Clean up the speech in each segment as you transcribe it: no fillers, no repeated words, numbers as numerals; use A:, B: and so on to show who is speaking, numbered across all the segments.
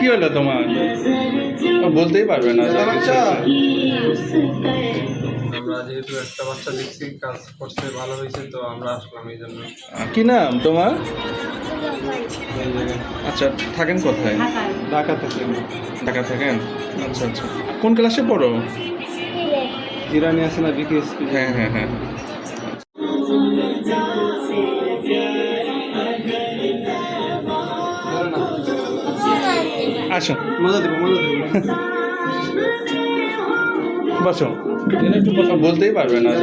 A: কি হলো তোমার? বলতেই পারবে না।
B: আমরা যেহেতু একটা বাচ্চা দেখছি কাজ করছে ভালো হয়েছে, তো আমরা আসলাম এই জন্য।
A: কি নাম তোমার? আচ্ছা, থাকেন কোথায়?
B: ঢাকা থেকে।
A: ঢাকা থাকেন? আচ্ছা আচ্ছা, কোন ক্লাসে পড়ো?
B: জিরানি আছে না বিকেএসপি?
A: হ্যাঁ হ্যাঁ হ্যাঁ। আসো,
B: মজা দেবো।
A: বসো। একটু কথা বলতেই পারবে না।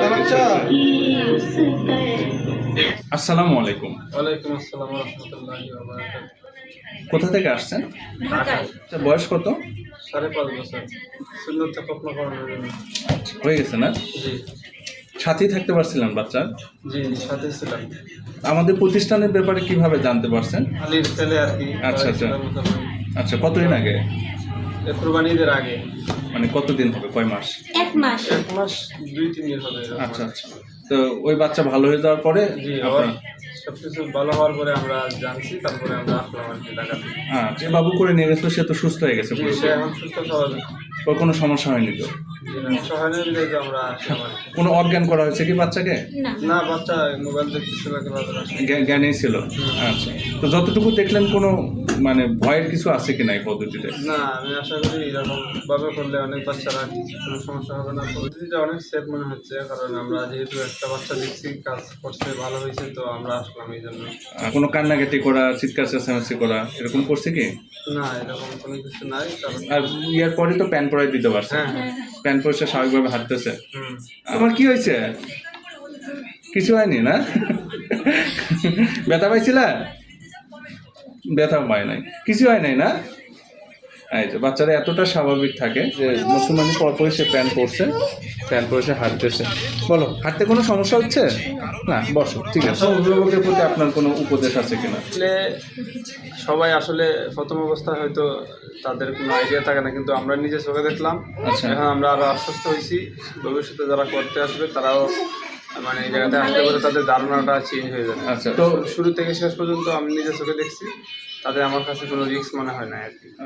A: আসসালামু আলাইকুম।
B: ওয়ালাইকুম আসসালাম ওয়া রাহমাতুল্লাহি ওয়া বারাকাতুহু।
A: কোথা থেকে আসছেন? আচ্ছা, বয়স কত?
B: 5.5 বছর। সুন্নত স্বপ্ন করানোর জন্য।
A: হয়ে গেছে না?
B: জি
A: সাথেই থাকতে পারছিলেন বাচ্চার?
B: জি, সাথে ছিলাম।
A: আমাদের প্রতিষ্ঠানের ব্যাপারে কিভাবে জানতে পারছেন?
B: আলীর ছেলে আর কি।
A: আচ্ছা আচ্ছা আচ্ছা, কতদিন আগে?
B: কুরবানিদের আগে।
A: মানে কতদিন হবে, কয় মাস?
C: 1 মাস।
B: 1 মাস 2-3 দিন হবে এরকম।
A: আচ্ছা আচ্ছা, তো ওই বাচ্চা ভালো হয়ে যাওয়ার পরে
B: জি,
A: আপনার
B: সবকিছু ভালো হওয়ার পরে আমরা জানছি, তারপরে আমরা আসলাম আর কি ঢাকা থেকে।
A: যে বাবু করে নিয়ে গেছিল সে তো সুস্থ হয়ে গেছে
B: জি,
A: পুরোপুরি?
B: সে এখন সুস্থ স্বাভাবিক।
A: ওর কোনো সমস্যা হয়নি তো?
B: জি না, সহায়নের দিকে আমরা আসলাম আর কি।
A: কোনো অজ্ঞান করা হয়েছে কি বাচ্চাকে?
C: না।
B: না, বাচ্চা মোবাইল দেখতেছিল খেলাধুলা।
A: জ্ঞানেই ছিল? আচ্ছা, তো যতটুকু দেখলেন কোনো মানে ভয়ের কিছু আছে কিনা এই পদ্ধতিতে?
B: না, আমি আশা করি এরকম ভাবে করলে অনেক বাচ্চারা কোনো সমস্যা হবে না। পদ্ধতিটা অনেক সেফ মনে হচ্ছে, কারণ আমরা যেহেতু একটা বাচ্চা দেখছি কাজ করছে ভালো হয়েছে, তো আমরা আসলাম এই জন্য।
A: কোনো কান্নাকাটি করা, চিৎকার চেঁচামেচি করা এরকম করছে কি?
B: না, এরকম কোনো কিছু নাই। কারণ
A: আর ইয়ার পরে তো প্যান পরাই দিতে পারছে?
B: হ্যাঁ।
A: প্যান পরে সে স্বাভাবিকভাবে হাঁটতেছে?
B: হুম।
A: আমার কি হয়েছে? কিছু হয়নি না? ব্যথা পাইছিলা? ব্যথা পায় নাই, কিছু হয় নাই না? এই যে বাচ্চারা এতটা স্বাভাবিক থাকে যে মুসলমানি পরপরই সে প্যান্ট পরছে, প্যান্ট পরে সে হাঁটতেছে। বলো, হাঁটতে কোনো সমস্যা হচ্ছে না? বসো, ঠিক আছে। অভিভাবকের প্রতি আপনার কোনো উপদেশ আছে কিনা?
B: আসলে সবাই আসলে প্রথম অবস্থায় হয়তো তাদের কোনো আইডিয়া থাকে না, কিন্তু আমরা নিজে চোখে দেখলাম।
A: আচ্ছা।
B: এখন আমরা আরো আশ্বস্ত হয়েছি, ভবিষ্যতে যারা করতে আসবে তারাও মানে এই জায়গাতে আসতে পারে, তাদের ধারণাটা চেঞ্জ হয়ে যাবে।
A: আচ্ছা,
B: তো
A: তো
B: শুরু থেকে শেষ পর্যন্ত আমি নিজে চোখে দেখছি, তাদের আমার কাছে কোনো রিস্ক মনে হয় না আর কি।